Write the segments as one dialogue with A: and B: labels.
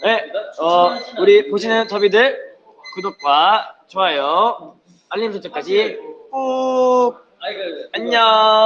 A: 네, 우리 보시는 터비들 구독과 좋아요, 알림 설정까지 꾹. 안녕.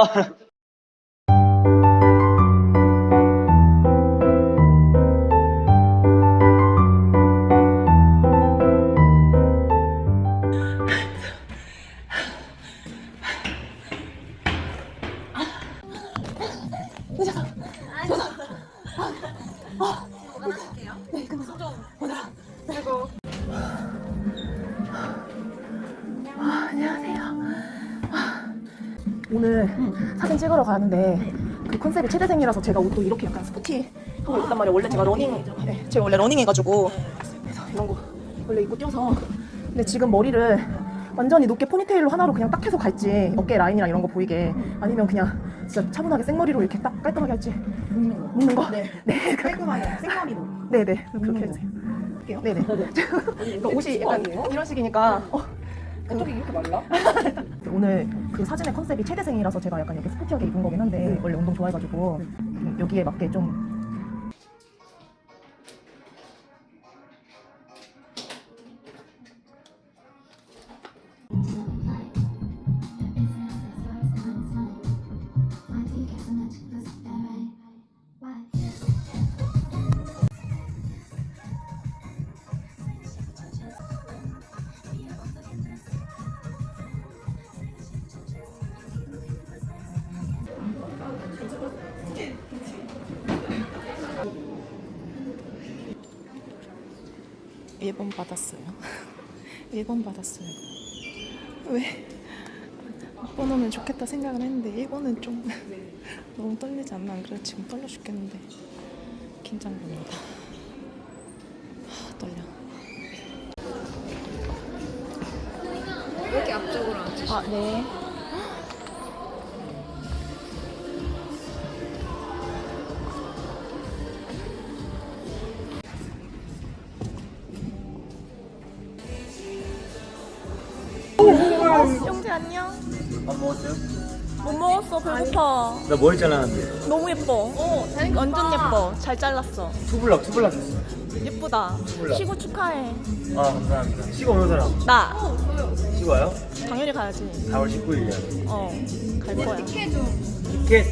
B: 오늘 사진 찍으러 가는데 그 컨셉이 최대생이라서 제가 옷도 이렇게 약간 스포티 하고 입었단 말이에요. 원래 제가 원래 러닝 해가지고 그래서 이런 거 원래 입고 뛰어서. 근데 지금 머리를 완전히 높게 포니테일로 하나로 그냥 딱 해서 갈지, 어깨 라인이랑 이런 거 보이게, 아니면 그냥 진짜 차분하게 생머리로 이렇게 딱 깔끔하게 할지. 묶는 거? 네.
C: 깔끔하게 생머리로.
B: 네네, 그렇게 해주세요.
C: 할게요.
B: 네네. 그러니까 옷이 약간 이런 식이니까
C: 어떻게 이렇게 말라?
B: 오늘 그 사진의 컨셉이 최대생이라서 제가 약간 이렇게 스포티하게 입은 거긴 한데 원래 운동 좋아해가지고 여기에 맞게 좀.
C: 일본 받았어요. 일본 받았어요. 왜? 일본 오면 좋겠다 생각을 했는데 일본은 좀 너무 떨리지 않나? 안 그래? 지금 떨려 죽겠는데 긴장됩니다. 떨려.
D: 왜 이렇게 앞쪽으로 앉으시죠?
C: 아, 네. 영재 안녕.
A: 밥 먹었어요?
C: 못 먹었어. 배고파.
A: 나 머리 잘랐는데.
C: 너무 예뻐. 완전 예뻐. 잘 잘랐어.
A: 투블럭 했어.
C: 예쁘다.
A: 몰라.
C: 시구 축하해.
A: 아, 감사합니다. 시고 오는 사람.
C: 나
A: 시고 와요?
C: 당연히 가야지.
A: 4월 19일이야.
C: 갈 거야.
A: 티켓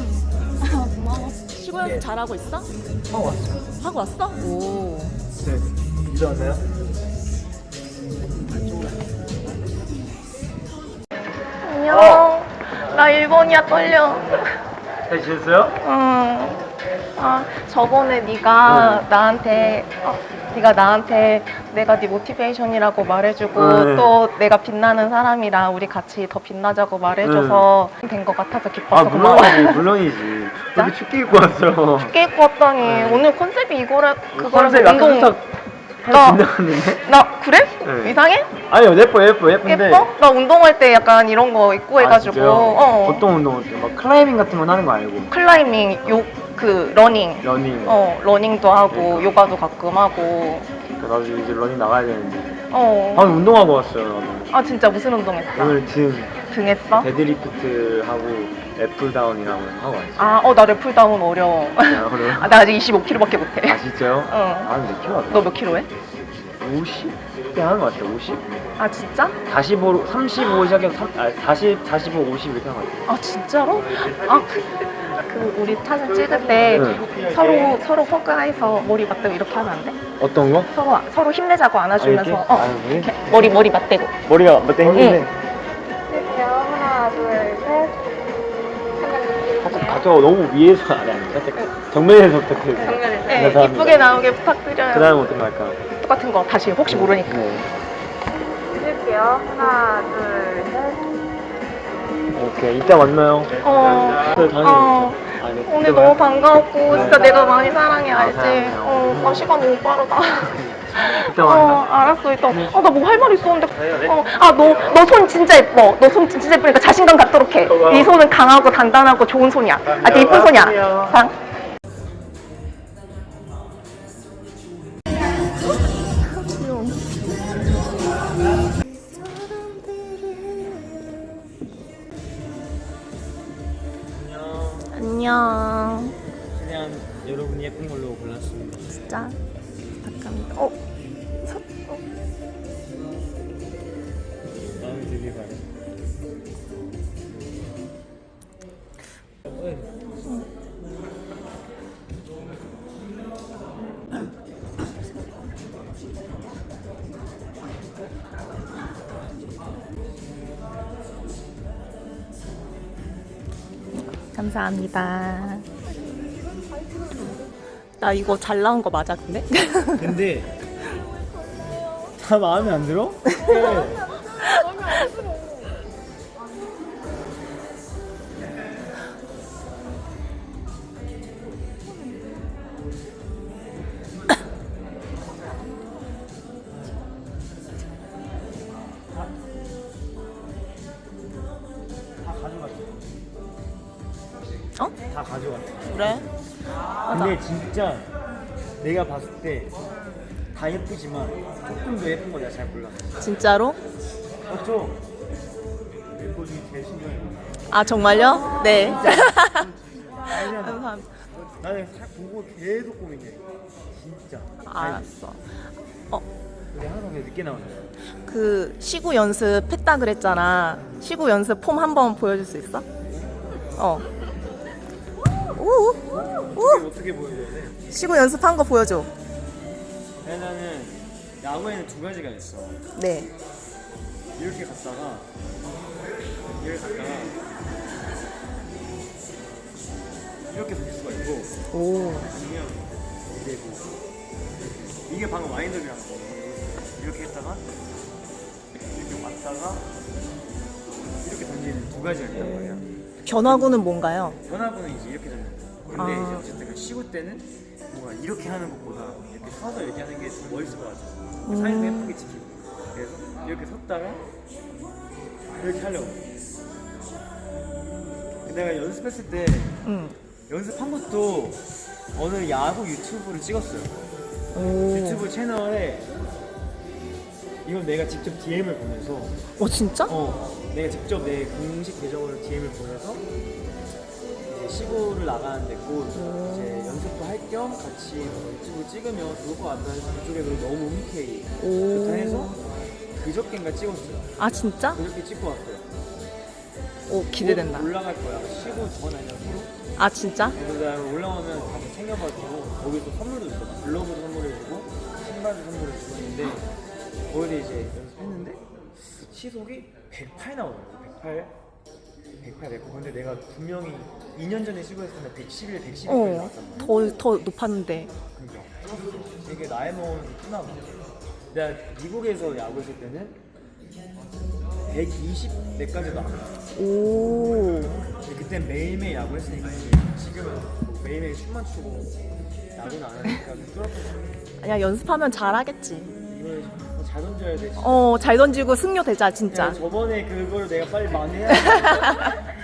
C: 시구 연습 잘하고 있어?
A: 하고 왔어요.
C: 하고 왔어? 오.
A: 네. 이제 왔나요?
C: 안녕. 나 일본이야 떨려.
A: 잘 지냈어요?
C: 응. 아 저번에 네가 나한테 내가 네 모티베이션이라고 말해주고 또 내가 빛나는 사람이라 우리 같이 더 빛나자고 말해줘서 된 것 같아서 기뻐서 고마워.
A: 물론이지. 되게 춥게 입고 왔어.
C: 춥게 입고 왔더니 오늘 컨셉이 그거라서
A: 컨셉 약간 살짝 빗나갔는데?
C: 나 그래?
A: 네.
C: 이상해?
A: 아니요, 예쁜데.
C: 예뻐? 나 운동할 때 약간 이런 거 입고 해가지고.
A: 진짜요? 어떤 운동 어때요? 막 클라이밍 같은 건 하는 거 아니고?
C: 클라이밍, 러닝.
A: 러닝.
C: 러닝도 하고
A: 그러니까.
C: 요가도 가끔 하고.
A: 그러니까 나도 이제 러닝 나가야 되는데.
C: 어.
A: 방금 운동하고 왔어요, 나도.
C: 아 진짜 무슨 운동했어?
A: 오늘
C: 등 했어?
A: 데드리프트 하고 애플다운이라고 하고 왔어요.
C: 아, 나 랩풀다운 어려워.
A: 어려워요?
C: 아, 나 아직 25kg밖에 못해.
A: 아, 진짜요?
C: 응.
A: 아, 몇 킬로 하다?
C: 너 몇 킬로 해?
A: 50대 하는 것 같아요, 50?
C: 아 진짜?
A: 35 시작해서 40, 45, 50 이렇게 하는 것 같아요.
C: 아 진짜로? 아 그 우리 사진 찍을 때
A: 응.
C: 서로 허그해서 머리 맞대고 이렇게 하면 안 돼?
A: 어떤 거?
C: 서로 힘내자고 안아주면서
A: 이렇게? 아, 그래?
C: 이렇게 머리 맞대고.
A: 머리가 몇대 힘든데?
D: 할게요. 하나, 둘, 셋.
A: 살짝 가까워, 너무 위에서 아니 살짝 정면에서 부탁드려요.
D: 정면에서.
C: 네,
A: 감사합니다.
C: 이쁘게 나오게 부탁드려요.
A: 그 다음은 어떤 거 할까요?
C: 똑같은 거 다시 혹시 모르니까.
A: 네.
D: 드릴게요. 하나, 둘, 셋.
A: 오케이, 이따 만나요. 네, 당연히 아니,
C: 오늘
A: 이따
C: 너무
A: 봐요.
C: 반가웠고 진짜 내가 많이 사랑해 알지?
A: 사랑해요.
C: 시간 너무 빠르다.
A: 이따 만나.
C: 알았어 이따. 나 뭐 할 말 있었는데. 너 손 진짜 예뻐. 너 손 진짜 예쁘니까 자신감 갖도록 해. 네 손은 강하고 단단하고 좋은 손이야. 아 되게 예쁜 손이야. 상. 안녕.
A: 최대한 여러분이 예쁜 걸로 골랐습니다.
C: 진짜. 부탁합니다.
A: 마음이 되게 가네.
C: 감사합니다. 나 이거 잘 나온 거 맞아 근데?
A: 근데 다 마음에 안 들어? 다 가져갔어.
C: 어?
A: 다 가져갔어.
C: 그래?
A: 근데 진짜 내가 봤을 때 다 예쁘지만 조금 더 예쁜 거 내가 잘 몰랐어.
C: 진짜로?
A: 맞죠? 멤버 중에 제일 신기해.
C: 아 정말요? 네.
A: 알잖아.
C: 감사합니다.
A: 나는 살 보고 계속 고민해. 진짜.
C: 알았어.
A: 우리 항상 그냥 늦게 나오는 거야.
C: 그 시구 연습했다 그랬잖아. 시구 연습 폼 한번 보여줄 수 있어? 오.
A: 이게 어떻게 보여줘야 돼?
C: 시구 연습한 거 보여줘.
A: 나는 야구에는 두 가지가 있어.
C: 네.
A: 이렇게 갔다가 이렇게 던질 수가 있고
C: 오.
A: 아니면 이제 뭐 이게 방금 와인더비라는 거 이렇게 했다가 이렇게 왔다가 이렇게 던지는 두 가지가 있단 말이야.
C: 변화구는 뭔가요?
A: 변화구는 이제 이렇게 던지는 거. 근데
C: 아.
A: 이제 어쨌든 시구 때는 뭔가 이렇게 하는 것보다 이렇게 서서 이렇게 하는 게 좀 멋있을 것 같아. 사진도 예쁘게 찍히고. 그래서 이렇게 섰다가 이렇게 하려고. 내가 연습했을 때
C: 응.
A: 연습한 것도 어느 야구 유튜브를 찍었어요.
C: 오.
A: 유튜브 채널에 이건 내가 직접 DM을 보내서
C: 진짜?
A: 내가 직접 내 공식 계정으로 DM을 보내서 이제 시구를 나가는데 곧 이제 연습도 할 겸 같이 뭐 유튜브 찍으면 좋을 것 같다 해서 그쪽에서 너무 흔쾌히 좋다 해서 그저께인가 찍었어요.
C: 아 진짜?
A: 그저께 찍고 왔어요.
C: 오 기대된다.
A: 곧 올라갈 거야. 시구 전 아니야 후로.
C: 아 진짜?
A: 그래서 내가 올라오면 가서 챙겨가지고 거기서 선물도 줬어. 글러브도 선물해주고 신발도 선물해주고 했는데 거기서 이제 연습했는데 시속이 108 나오더라고. 108. 근데 내가 분명히 2년 전에 시구했을 때 111, 112까지 나왔단 말이야.
C: 더 높았는데.
A: 그러니까 이게 나이 먹으면서 크나 봐. 내가 미국에서 야구했을 때는 120 내까지 나왔어.
C: 오.
A: 근데 그때 매일매일 야구했으니까 지금은 뭐 매일매일 춤만 추고 야구는 안 하니까 좀 뚫었거든.
C: 아니야 연습하면 잘하겠지.
A: 이걸 잘 던져야 돼.
C: 잘 던지고 승료 되자 진짜.
A: 야, 저번에 그걸 내가 빨리 많이 해야 돼.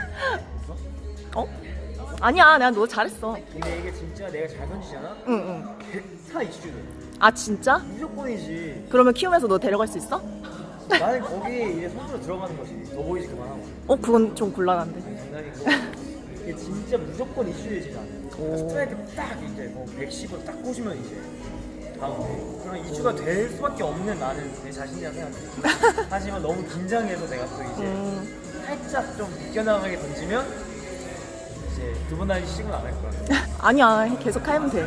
C: 아니야 내가 너 잘했어.
A: 근데 이게 진짜 내가 잘 던지잖아?
C: 응.
A: 100타 이슈 돼.
C: 아 진짜?
A: 무조건이지.
C: 그러면 키우면서 너 데려갈 수 있어?
A: 나는 거기에 이제 선수로 들어가는 거지. 더 보이지 그만하고.
C: 그건 좀 곤란한데.
A: 장난이고. 이게 진짜 무조건 이슈 되지 나는. 스트라이크 딱 이제 뭐 110으로 딱 꽂으면 이제 다음. 그런 이슈가 될 수밖에 없는 나는 내 자신이라 생각해. 하지만 너무 긴장해서 내가 또 이제 살짝 좀 비껴나가게 던지면 이제 두 번 다시 시구는 안 할 거야.
C: 아니야 계속 하면 돼.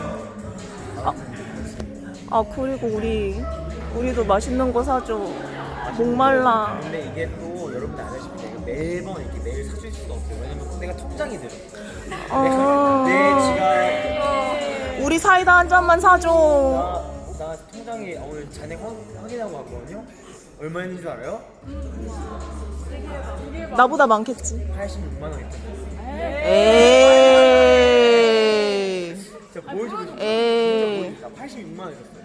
C: 그리고 우리도 맛있는 거 사줘. 목말라.
A: 근데 이게 또 여러분들 아시다시피 내가 매번 이렇게 매일 사줄 수가 없어요. 왜냐면 내가 통장이 들어. 내 지갑
C: 우리 사이다 한 잔만 사줘.
A: 나 통장에 오늘 잔액 확인하고 왔거든요. 얼마 있는 줄 알아요?
C: 나보다 많겠지.
A: 86만 원 있거든요.
C: 에이.
A: 진짜 보여주고 싶어.
C: 에이.
A: 진짜 86만 원 있었어요.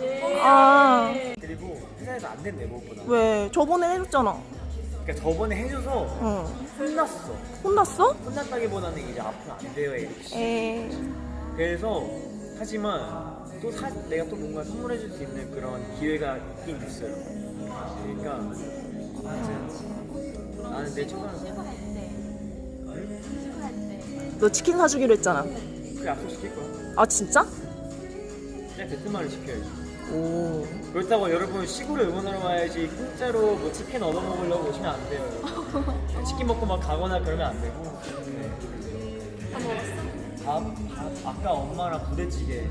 A: 그리고 회사에서 안 된대 무엇보다.
C: 왜? 저번에 해줬잖아.
A: 그러니까 저번에 해줘서 혼났어.
C: 혼났어?
A: 혼났다기보다는 이제 앞으로 안 돼요 이렇게.
C: 에이.
A: 그래서 하지만 또 내가 또 뭔가 선물해줄 수 있는 그런 기회가 있긴 있어요. 그러니까 아무튼 나는 내 초등학생
C: 너 치킨 사주기로 했잖아.
A: 그 약속 시킬 거야.
C: 아 진짜?
A: 진짜 베트남을 지켜야지.
B: 오.
A: 그렇다고 여러분 시골에 응원하러 와야지 공짜로 뭐 치킨 얻어 먹으려고 오시면 안 돼요. 치킨 먹고 막 가거나 그러면 안 되고. 네.
D: 다 먹었어?
A: 밥 아까 엄마랑 부대찌개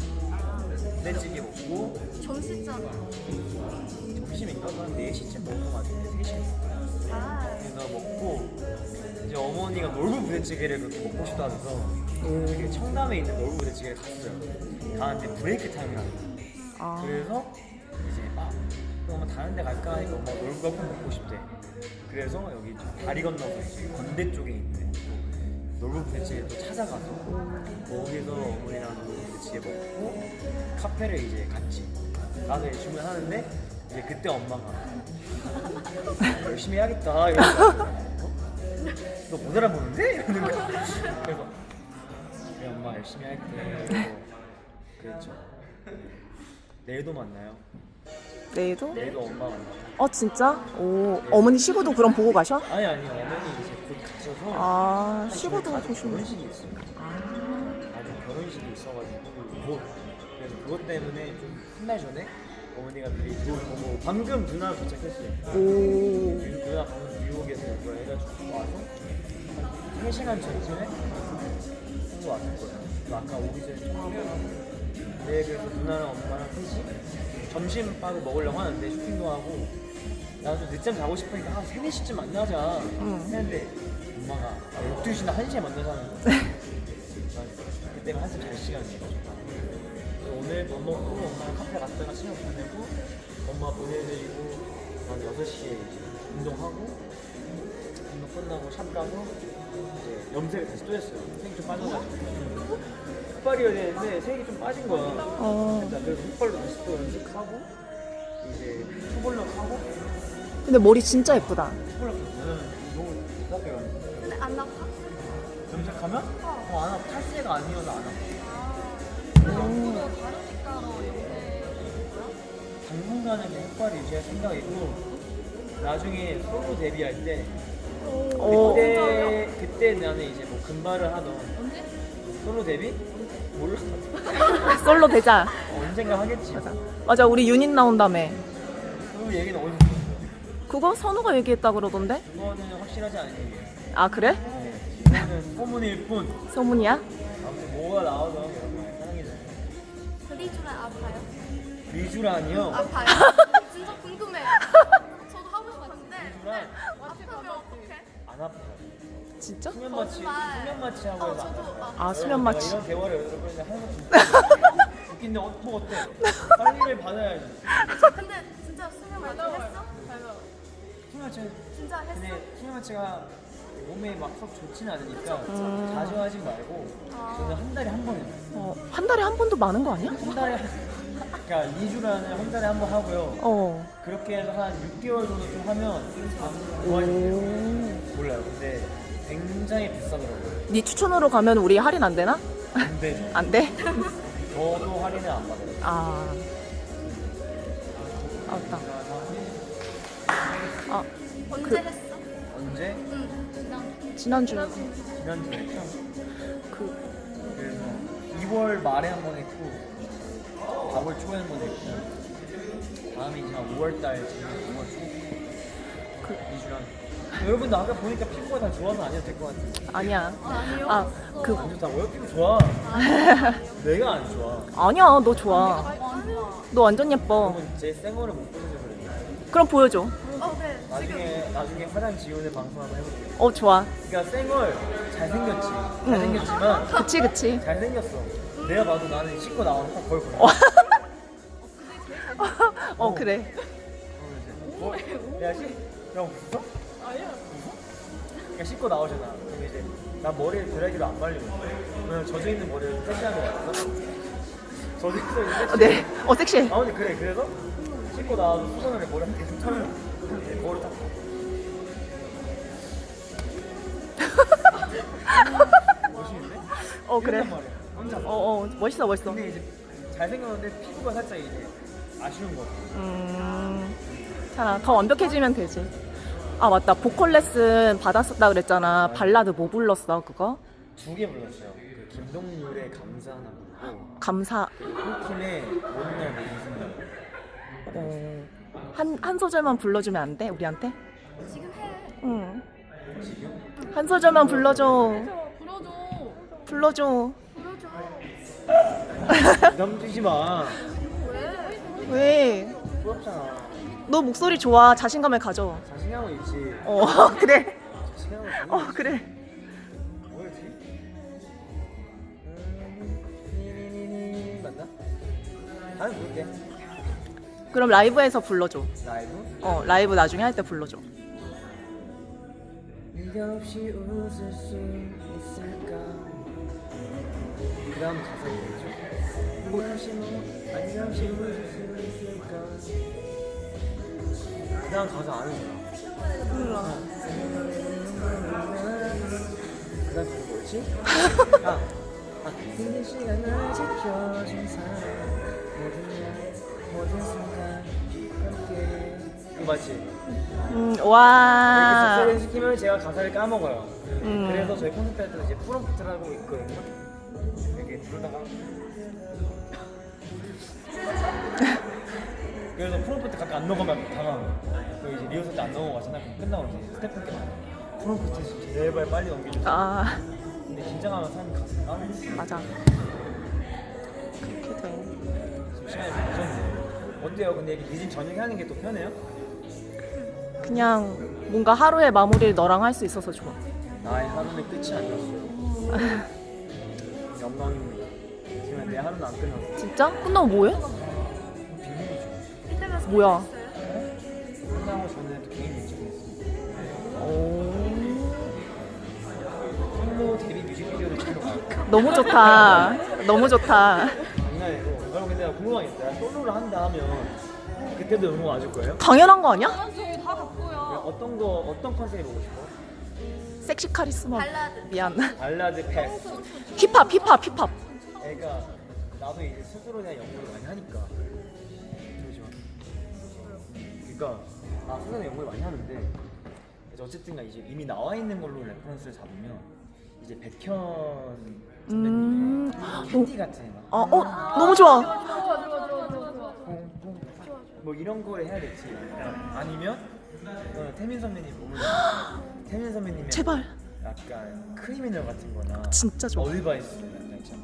A: 먹고
D: 점심잖아.
A: 점심인가? 한 4시쯤 먹은 것 같은데 3시쯤
D: 아,
A: 그래서 먹고 이제 어머니가 놀부 부대찌개를 그렇게 먹고 싶다 하셔서 그 청담에 있는 놀부 부대찌개를 갔어요. 가는데 브레이크 타임이라는 거예요.
B: 아.
A: 그래서 이제 그럼 다른 데 갈까 하니까 엄마가 놀부가 꼭 먹고 싶대. 그래서 여기 다리 건너서 이제 건대 쪽에 있는 놀부 부대찌개를 또 찾아가서 거기서 어머니랑 놀부 부대찌개 먹고 카페를 이제 같이 가서 이제 주문하는데 이제 그때 엄마가 열심히 해야겠다 이러면서 너 못 알아보는데? 이러는 거야. 그래서 그래 엄마 열심히 할게 이러고 그랬죠. 내일도 만나요.
B: 내일도?
A: 내일도 엄마 만나요.
B: 진짜? 오. 어머니 시구도 그럼 보고 가셔?
A: 아니 어머니 이제 곧 가셔서
B: 아, 시구도
A: 가족
B: 보시면.
A: 결혼식이 있어요. 가족 결혼식이 있어가지고 그래서 그것 때문에 좀 한 달 전에 어머니가 미리 들어오고 방금 누나 도착했어요.
B: 오.
A: 누나 방금 뉴욕에서 이걸 해가지고 와서 한 3시간 전쯤에 한국 왔을 거예요. 아까 오기 전에 좀 하고 네, 그래서 누나랑 엄마랑 셋이 점심밥을 먹으려고 하는데 쇼핑도 하고 나도 좀 늦잠 자고 싶으니까 한 3, 4시쯤 만나자 했는데 엄마가 12시나 1시에 만나자는 거야. 그때가 한참 잘 시간이에요. 오늘 밥 먹고 엄마랑 카페 갔다가 시간 보내고 엄마 보내드리고 한 6시에 이제 운동하고 운동 끝나고 샵 가서 이제 염색을 다시 또 했어요. 색이 좀 빠져가지고 흑발이어야 되는데 색이 좀 빠진 거야. 그래서 흑발로 다시 또 염색하고 이제 투블럭 하고
B: 근데 머리 진짜 예쁘다.
A: 투블럭 하면 너무 답답해요.
D: 근데 안 아파?
A: 염색하면? 안 아파. 탈색가 아니어서 안 아파.
D: 그거 다르니까 너 영대
A: 당분간은 그냥 흑발을 유지할 생각이고 나중에 솔로 데뷔할 때
B: 오.
A: 그때 나는 이제 뭐 금발을 하던
D: 언제?
A: 솔로 데뷔? 몰라.
B: 솔로 되자.
A: 언젠가 하겠지.
B: 맞아, 우리 유닛 나온다며.
A: 그 얘기는 어디서 들었어요?
B: 그거 선우가 얘기했다 그러던데?
A: 그거는 확실하지 않은 얘기예요.
B: 아, 그래?
A: 네, 이거는 소문일 뿐.
B: 소문이야?
A: 아무튼 뭐가 나와도 여러분 사랑해줘요.
D: 리주라 아파요?
A: 리주란이요?
D: 아파요? 진짜 궁금해요. 저도 하고 싶었는데
A: 리주란
D: 아프면 어떡해?
A: 안 아파요.
B: 진짜?
A: 수면 마취 하고 해서 안 아파요.
B: 아, 수면 마취.
A: 이런 대화를 여러분한테 하는 것도 웃긴데 뭐 어때? 빨리를 받아야지.
D: 근데 진짜 수면 마취 했어?
A: 수면 마취
D: 진짜 했어?
A: 근데 수면 마취가 몸에 막 썩 좋지는 않으니까 자주 하지 말고 저는 한 달에 한 번 해요.
B: 한 달에 한 번도 많은 거 아니야?
A: 한 달에 그러니까 2주라는 한 달에 한 번 하고요. 그렇게 해서 한 6개월 정도 좀 하면 좋아지네요. 몰라요. 근데 굉장히 비싸더라고요.
B: 네 추천으로 가면 우리 할인 안 되나?
A: 안 되죠.
B: 안 돼?
A: 저도 할인을 안 받아요.
B: 아. 맞다.
D: 언제 했어?
A: 언제?
D: 응.
B: 지난주.
A: 지난주에 했죠.
B: 그,
A: 그래서 2월 말에 한 번 했고 4월 초에 한 번 했고 다음에 이제 한 5월 달쯤에 5월 초 2주랑 여러분도 아까 보니까 피부가 다 좋아서 안 해도 될 것 같아요.
B: 아니야.
D: 아니요.
A: 안 좋다고요? 피부 좋아. 내가 안 좋아.
B: 아니야, 너 좋아. 너 완전 예뻐.
A: 여러분 제 생얼을 못 보셔서 그래요.
B: 그럼 보여줘.
D: 네.
A: 나중에 화장 지우는 방송 한번 해볼게요.
B: 좋아.
A: 그러니까 생얼 잘생겼지만
B: 그치.
A: 잘생겼어. 내가 봐도 나는 씻고 나와서 딱 거울 보여.
B: 그래.
A: 야 웃어? 아니야. 웃어? 그러니까 씻고 나오잖아. 그럼 이제 나 머리를 드라이기로 안 말리고 그냥 젖어 있는 머리를 세시하는 거야. 젖어 있는 섹시.
B: 네. 섹시해.
A: 근데 그래. 그래서 씻고 나와서 수건을 머리 한 계속 차면 거울을 딱. 멋있는데?
B: 그래.
A: 이런단 말이야. 혼자.
B: 멋있어.
A: 근데 이제 잘생겼는데 피부가 살짝 이제 아쉬운 거.
B: 더 완벽해지면 되지. 아, 맞다. 보컬 레슨 받았었다 그랬잖아. 발라드 뭐 불렀어, 그거?
A: 2개 불렀어요. 그 김동률의 감사하나.
B: 감사.
A: 홀팀의 모든 날 모든 순간.
B: 한 소절만 불러주면 안 돼? 우리한테?
D: 지금 해.
B: 응.
A: 지금?
B: 한 소절만 불러줘.
D: 불러줘.
B: 불러줘.
D: 불러줘.
A: 부담 주지 마.
D: 왜?
B: 왜?
A: 부럽잖아.
B: 너 목소리 좋아. 자신감을 가져.
A: 자신감은 있지.
B: 그래.
A: 자신감은
B: 그래.
A: 뭐였지? 맞나? 다음에 부를게.
B: 그럼 라이브에서 불러줘.
A: 라이브?
B: 라이브 나중에 할 때 불러줘.
A: 네가 없이 웃을 수 있을까? 그 다음 가사 얘기해줘. 네가 없이 네가 없이 웃을 수 있을까? 그 다음 가사 아는 사람.
B: 몰라.
A: 그 다음 그게 뭐였지? 힘든 시간을 지켜준 사람 모든 순간 함께. 이거 맞지?
B: 와.
A: 이렇게 습관을 시키면 제가 가사를 까먹어요. 그래서 저희 콘서트 할 때도 이제 프롬프트를 하고 있거든요. 이렇게 부르다가 그래서 프롬프트 가끔 안 넘어가면 당황해요. 그 이제 리허설 때 안 넘어가잖아. 그럼 끝나고 이제 스태프분께 말해요. 프롬프트 제발 빨리 넘겨주세요. 근데 긴장하면 사람이 가사를 까먹어요.
B: 맞아. 그렇게 돼.
A: 지금 시간이 늦었네요. 어때요? 근데 이렇게 늦은 저녁에 하는 게 또 편해요?
B: 그냥 뭔가 하루의 마무리를 너랑 할 수 있어서 좋아.
A: 나의 하루는 끝이 아니었어요. 영광입니다. 지금 내 하루는 안 끝났어.
B: 진짜? 끝나고 뭐해?
A: 비밀이죠.
D: 이때가
B: 뭐야?
A: 끝나고 저는 또 개인 일정이 있습니다. 솔로 데뷔 뮤직비디오를 찍으러 가요.
B: 너무 좋다. 너무 좋다.
A: 장난이고. 여러분 근데 나 궁금한 게 있어요. 솔로를 한다 하면 그때도 응원 와줄 거예요?
B: 당연한 거 아니야?
D: 저희 다 갖고요.
A: 어떤 컨셉을 보고 싶어?
B: 섹시 카리스마.
D: 발라드.
B: 미안.
A: 발라드 패스.
B: 힙합.
A: 그러니까 나도 이제 스스로 대한 연구를 많이 하니까. 잠시만. 그러니까 스스로 연구를 많이 하는데 이제 어쨌든가 이제 이미 나와 있는 걸로 레퍼런스를 잡으면 이제 백현 선배님의 캔디 같은 막
B: 너무 좋아.
A: 뭐 이런 거를 해야 될지 아니면 태민 선배님 몸을 태민 선배님의
B: 제발.
A: 약간 크리미널 같은 거나
B: 진짜 좋아.
A: 어드바이스 약간 있잖아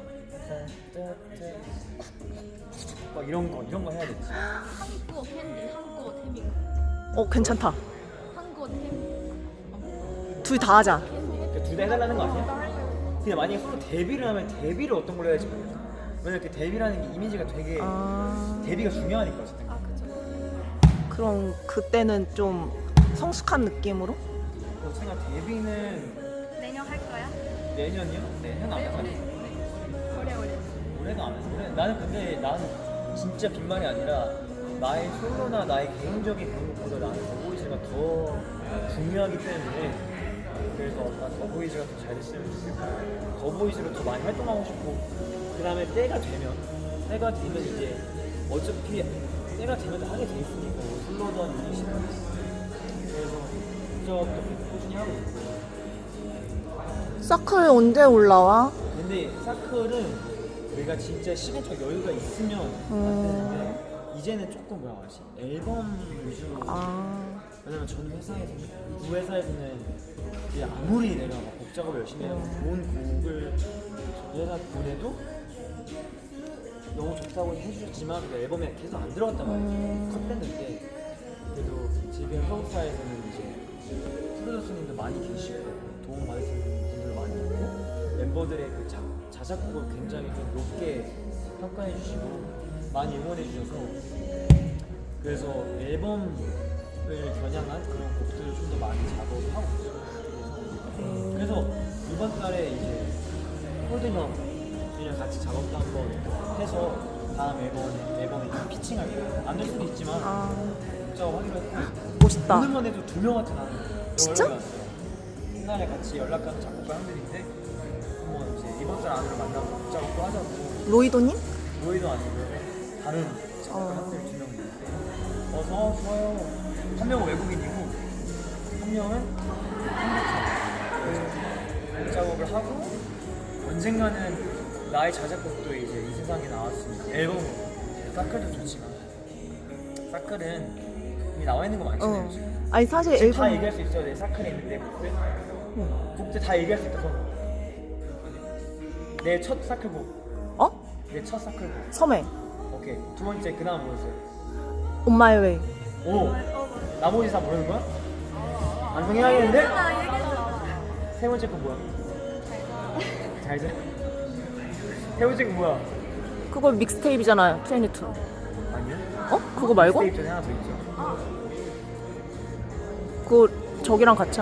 A: 막 이런 거 해야 될지
D: 한국어 캔디, 한국어 태민.
B: 괜찮다.
D: 한국어 태민.
B: 둘 다 하자.
A: 둘 다 해달라는 거 아니야? 근데 만약에 서로 데뷔를 하면 데뷔를 어떤 걸로 해야지 모르겠어. 왜냐면 그 데뷔라는 게 이미지가 되게 데뷔가 중요하니까 어쨌든.
B: 그럼 그때는 좀 성숙한 느낌으로?
A: 그래서 제가 데뷔는
D: 내년 할 거야?
A: 내년이요? 내년 안 할까?
D: 올해.
A: 올해도 안 해. 나는 근데 나는 진짜 빈말이 아니라 나의 솔로나 나의 개인적인 그런 것보다 나는 더보이즈가 더 중요하기 때문에 그래서 난 더보이즈가 더 잘 됐으면 좋겠고 더보이즈로 더 많이 활동하고 싶고 그 다음에 때가 되면 이제 어차피 때가 되면 다 하게 돼 있으니까 솔로든 이시든 그래서 그쪽도 계속 꾸준히 하고 있고
B: 서클 언제 올라와?
A: 근데 사클은 우리가 진짜 시간적 여유가 있으면 만드는데 이제는 조금 뭐라고 하지? 앨범 위주로 왜냐면 전 회사에서는 그 회사에서는 이제 아무리 내가 막 곡 작업을 열심히 하고 좋은 곡을 그 회사 보내도 너무 좋다고 해주셨지만 그 앨범에 계속 안 들어갔단 말이에요. 컷밴드인데 그래도 지금 서울사에서는 이제 프로듀서님도 많이 계시고 도움 받을 수 있는 분들 많이 있고 멤버들의 그 자작곡을 굉장히 좀 높게 평가해 주시고 많이 응원해 주셔서 그래서 앨범을 겨냥한 그런 곡들을 좀 더 많이 작업을 하고 있어요. 그래서 이번 달에 이제 홀든 형이랑 같이 작업도 한번 해서 다음 앨범에 피칭하기로 안 될 수도 있지만 작업하기로 했고
B: 멋있다.
A: 오늘만 해도 2명한테 나는
B: 진짜?
A: 연락이 왔어요. 옛날에 같이 연락하는 작곡가 형들인데 한번 이제 이번 달 안으로 만나서 작업도 하자고.
B: 로이도님?
A: 로이도 아니고요. 다른 작곡가 형들 2명 있는데 어서 좋아요. 한 명은 외국인이고 한 명은 한국 사람. 그래서 작업을 하고 언젠가는 나의 자작곡도 이제 이 세상에 나왔으니까 앨범으로. 사클도 좋지만 사클은 이미 나와 있는 거 많잖아요. 지금.
B: 아니 사실
A: 지금 다
B: 앨범
A: 얘기할 수 있어요. 내 사클에 있는 내 곡들. 곡들 다 얘기할 수 있다. 내 첫 사클곡.
B: 어?
A: 내 첫 사클곡.
B: 섬에
A: 오케이. 두 번째 그 다음 뭐였어요?
B: On My Way.
A: 오. 나머지 다 모르는 거야? 완성해야겠는데? 세 번째 거 뭐야? 잘 자. 세 번째 거 뭐야?
B: 그거 믹스테이프잖아요. 22.
A: 아니요.
B: 어? 그거 말고?
A: 스테이프 전에 하나 더 있죠.
B: 그거 저기랑 같이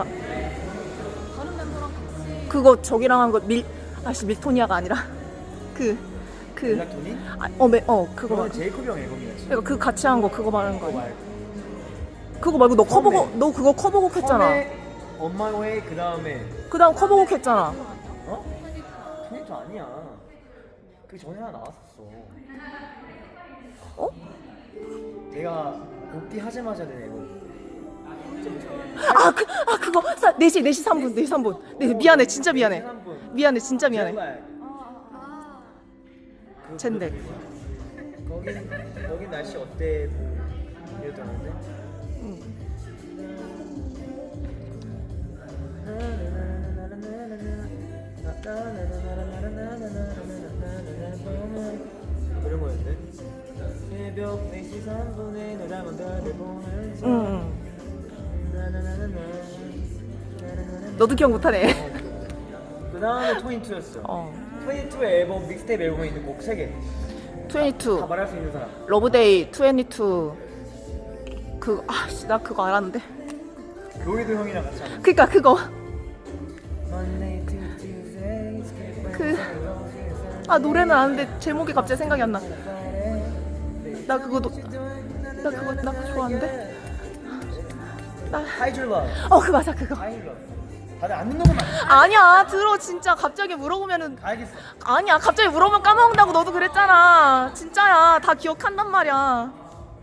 B: 그거 저기랑 한 거 밀토니아가 아니라 그
A: 멜라토닌?
B: 그거
A: 그거는
B: 말
A: 제이콥 형 앨범이었지.
B: 그러니까 그 같이 한 거 그거 말하는 거
A: 그거
B: 아니야?
A: 말고.
B: 그거 말고 너
A: 처음에.
B: 커버곡 너 그거 커버곡 했잖아.
A: 처음에 On My Way 그 다음에
B: 그다음 커버곡 했잖아.
A: 어? 토니토 아니야. 그 전에 하나 나왔었어.
B: 어?
A: 내가 복귀 하자마자 낸 앨범.
B: 그거 4시 3분 4시 3분. 네, 미안해 진짜 미안해. 미안해 진짜 미안해. 젠데.
A: 거긴 날씨 어때? 뭐 이랬다는데. 이런 거였는데. 새벽 4시 3분에 너랑은 별을 보면서.
B: 너도 기억 못하네.
A: 그 다음에 토니투였어. 토니투 앨범 믹스테이프 앨범에 있는 곡 3개.
B: 22
A: 다 말할 수 있는 사람.
B: 러브데이 22 나 그거 알았는데.
A: 로이드 형이랑 같이 하는.
B: 그니까 그거 노래는 아는데 제목이 갑자기 생각이 안 나. 나 그거 좋아하는데.
A: Hide Your Love.
B: 그 맞아 그거.
A: Hide Your Love. 다들 안 듣는 것만.
B: 아니야 들어 진짜 갑자기 물어보면은
A: 알겠어.
B: 아니야 갑자기 물어보면 까먹는다고 너도 그랬잖아. 진짜야 다 기억한단 말이야.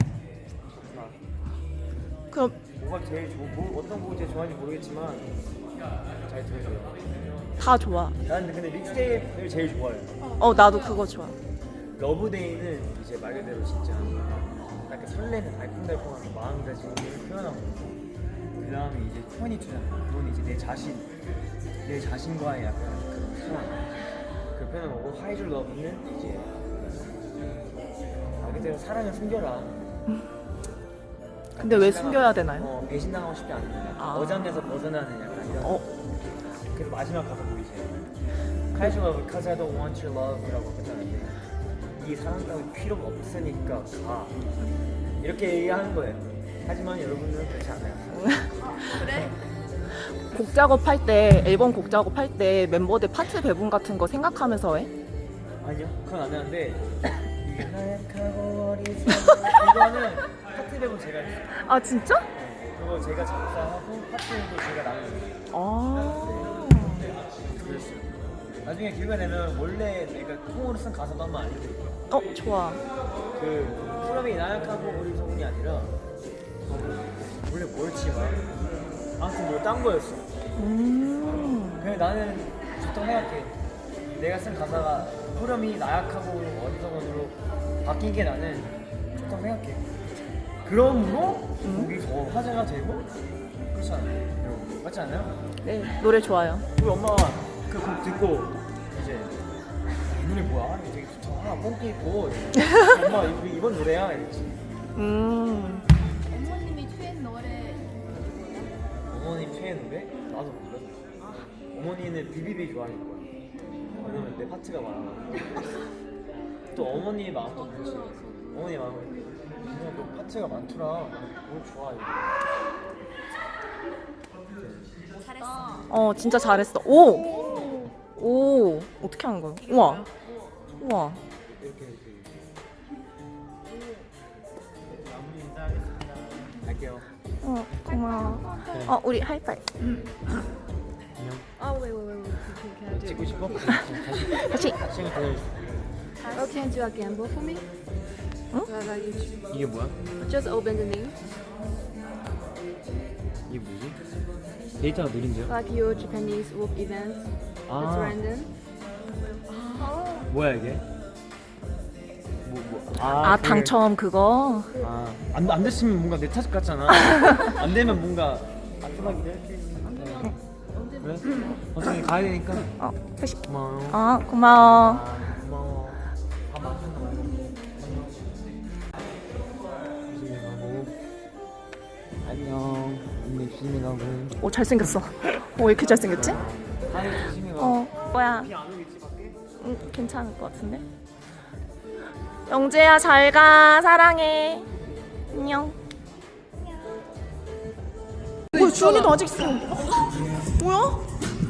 B: 그럼
A: 뭐가 제일 어떤 곡이 제일 좋아하는지 모르겠지만 잘 들어줘요.
B: 다 좋아.
A: 나는 근데 믹스테이프를 제일 좋아해요.
B: 나도 그거 좋아.
A: 러브데이는 이제 말 그대로 진짜 약간 설레는 알콩달콩한 마음가짐을 표현하고 그 다음에 이제 22잖아. 그건 이제 내 자신과의 약간 그런 상황 그 표현한 거고 Hide Your Love는 이제 말 그대로 사랑을 숨겨라.
B: 근데 왜 숨겨야 되나요?
A: 배신당하고 싶지 않은 어장에서 벗어나는 약간 이런. 그래서 마지막 가사 보이지? Hide Your Love because I don't want your love라고 했잖아요. 이 사랑 따위 필요가 없으니까 가 이렇게 얘기하는 거예요. 하지만 여러분들은 그렇지 않아요.
D: 그래?
B: 곡 작업할 때 앨범 곡 작업할 때 멤버들 파트 배분 같은 거 생각하면서 해?
A: 아니요, 그건 안 하는데 이게 하얗고 어리석은 이거는 파트 배분 제가 했어요.
B: 아 진짜?
A: 그거 제가 작사하고 파트도 제가 나눠줬어요. 그랬어요. 나중에 기회가 되면 원래 내가 통으로 쓴 가사도 한번 알려드릴게요.
B: 좋아.
A: 그 프롬이 나약하고 어리석은이 아니라 원래 뭐였지 막 아무튼 뭐 딴 거였어. 그냥 나는 좋다고 생각해. 내가 쓴 가사가 프롬이 나약하고 어리석은으로 바뀐 게 나는 좋다고 생각해. 그러므로 곡이 더 화제가 되고 그렇지 않아요? 맞지 않아요?
B: 네 노래 좋아요.
A: 우리 엄마가 그 곡 듣고 이제 이 노래 뭐야? 되게 좋다. 뽕기 있고 엄마 이번 노래야 이랬지.
D: 어머님이 최애 노래
A: 어머님 최애 노래? 나도 몰라. 어머니는 비비비 좋아할 거야. 왜냐면 내 파트가 많아가지고. 또 어머니의 마음도 그렇지. 어머니 마음은 그냥 너 파트가 많더라. 뭘 좋아 이거.
D: 잘했어.
B: 진짜 잘했어. 오 어떻게 하는 거야? 우와
A: 이렇게 마무리 인사하겠습니다. 갈게요.
B: 고마워. 우리 하이파이.
A: 안녕.
D: 왜. Can I
A: 찍고 싶어?
B: 같이.
A: 시간 기다려주세요.
D: Oh, can you do a gamble for me?
A: 이게 뭐야?
D: Just open the link.
A: 이게 뭐지? 데이터가 느린데요?
D: Like your Japanese work events. It's random.
A: 뭐야 이게?
B: 아
A: 그-
B: 당첨 그거.
A: 안 됐으면 뭔가 내 탓 같잖아. 안 되면 뭔가 아프다기도 할게. 그래? 어차피 가야 되니까.
B: 회식.
A: 고마워.
B: 고마워.
A: 고마워. 밥 맛있는 거 말고. 조심히 가고. 안녕. 언니 조심히 가고.
B: 오 잘생겼어. 왜 이렇게 잘생겼지?
A: 하이 조심히 가.
B: 뭐야?
A: 비 안 오겠지 밖에?
B: 응, 괜찮을 것 같은데. 영재야 잘 가. 사랑해. 안녕. 뭐야 주원이도 아직 있어. 뭐야?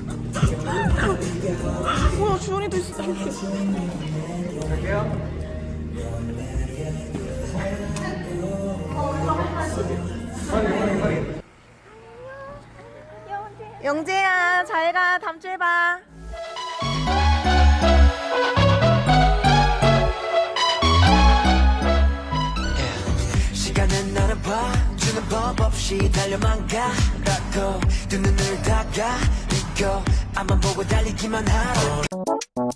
B: 뭐야 주원이도 있어. 영재야 잘 가. 다음 주에 봐.
E: 시간은 너를 봐주는 법 없이 달려만 가라고 두 눈을 다 가리고 앞만 보고 달리기만 하라고